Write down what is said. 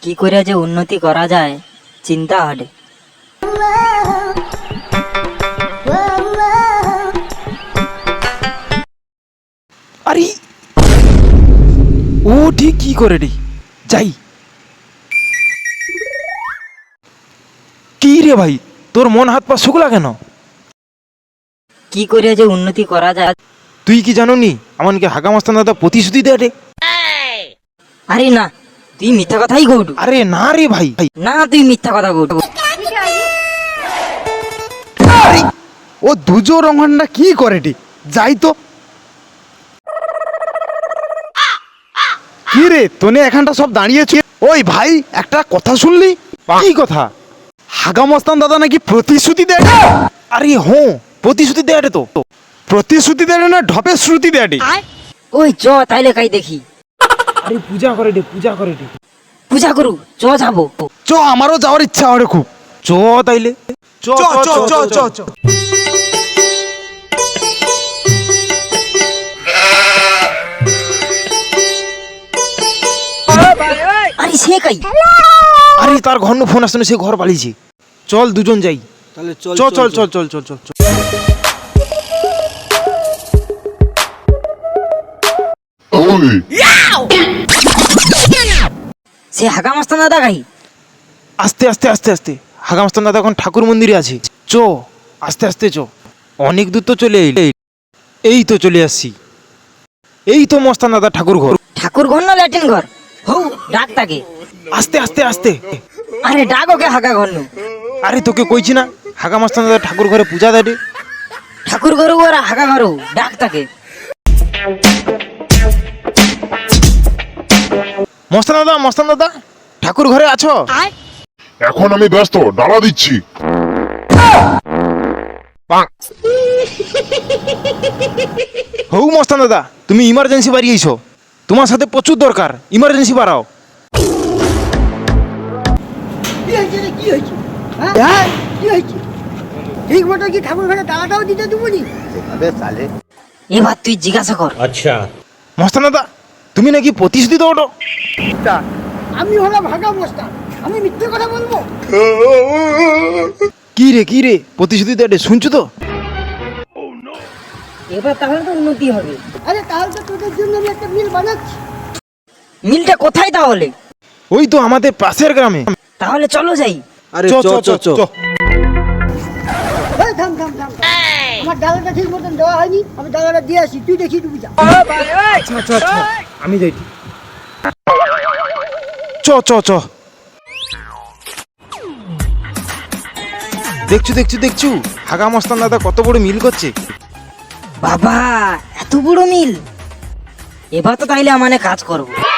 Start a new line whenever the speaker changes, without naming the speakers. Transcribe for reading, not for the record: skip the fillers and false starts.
কি করে যে উন্নতি করা যায় চিন্তা হলে।
আরে ও ঠিক কি করে রে, যাই। কি রে ভাই, তোর মন হাত পা শুকলা কেন?
কি করে যে উন্নতি করা যায়।
তুই কি জানো নি আমাকে হাগা মাস্তান দাদা প্রতিশ্রুতি দেয় রে?
আরে না, তুই মিথ্যা কথাই কৌটু।
আরে না রে ভাই,
না, তুই মিথ্যা কথা কৌটু।
ও দুজো রঙানটা কি করে রে, যাই তো। কি রে তোনে এখানটা সব দাঁড়িয়েছে? ওই ভাই একটা কথা শুনলি?
কি কথা?
হাগা মস্তান দাদা নাকি প্রতিশ্রুতি দেয়।
আরে হো, প্রতিশ্রুতি দেয় রে তো।
প্রতিশ্রুতি দেয় না, ঢপের শ্রুতি দেয় রে।
ওই চ তাইলে কাই দেখি।
আরে পূজা করে রে, পূজা করে রে।
পূজা করু, চ যাবো।
চ, আমারও যাওয়ার ইচ্ছা হয় খুব।
চ তাইলে, চ চ চ চ চ।
আরে সে কাই?
আরে তার ঘর ফোন আসছে না, সে ঘর পালিয়েছে। চল দুজন যাই তাহলে। চল চল চল চল চল চল চল।
সে হাগা মাস্তান দাদা কাই?
আস্তে আস্তে আস্তে আস্তে, হাগা মাস্তান দাদা এখন ঠাকুর মন্দিরে আছে। চ আস্তে আস্তে চ। অনেক দূর তো চলে এলি। এই তো চলে আসছি। এই তো মস্তান দাদা ঠাকুর ঘর।
ঠাকুর ঘর না ল্যাট্রিন ঘর? হৌ ডাক তাকে।
আস্তে আস্তে আস্তে।
আরে ডাক ওকে হাগা ঘর নু।
আরে তোকে কইছি না হাগা মাস্তান দাদা ঠাকুর ঘরে পূজা দেয় রে।
ঠাকুর ঘর ওরা হাগা ঘর ডাক তাকে।
মস্তান দাদা ঠাকুর ঘরে আছো?
এখন আমি ব্যস্ত, ডালা দিচ্ছি।
হৌ মস্তান দাদা, তুমি ইমার্জেন্সি বাড়িয়েছো, তোমার সাথে প্রচুর দরকার, ইমার্জেন্সি বাড়াও।
কি হয়েছে রে, কি হয়েছে? হ্যাঁ কি হয়েছে? ঠিক মতো কি ঠাকুর ঘরে দাওয়াটাও দিতে দেবনি?
এবার তুই জিজ্ঞাসা কর।
মস্তান দাদা তুমি নাকি প্রতিশ্রুতি দাও?
আমি হলাম ভাগা বস্তা, আমি মিথ্যে কথা বলবো?
কি রে প্রতিশ্রুতি দেয় রে, শুনছো তো?
এবার তাহলে তো উন্নতি হবে।
আরে তাহলে তো তোদের জন্য আমি একটা মিল বানাচ্ছি।
মিলটা কোথায় তাহলে?
ওই তো আমাদের পাশের গ্রামে।
তাহলে চলো যাই।
আরে চ চ চ চ।
এই থাম থাম থাম, আমার ডালাটা ঠিক মতন দেওয়া হয়নি, আমি ডালাটা দিয়ে আসি, তুই দেখি ডুবি যা।
আচ্ছা আমি যাই। চ চ চ। দেখছু হাগা মস্তান দাদা কত বড় মিল করছে।
বাবা এত বড় মিল! এবার তো তাইলে আমানে কাজ করবো।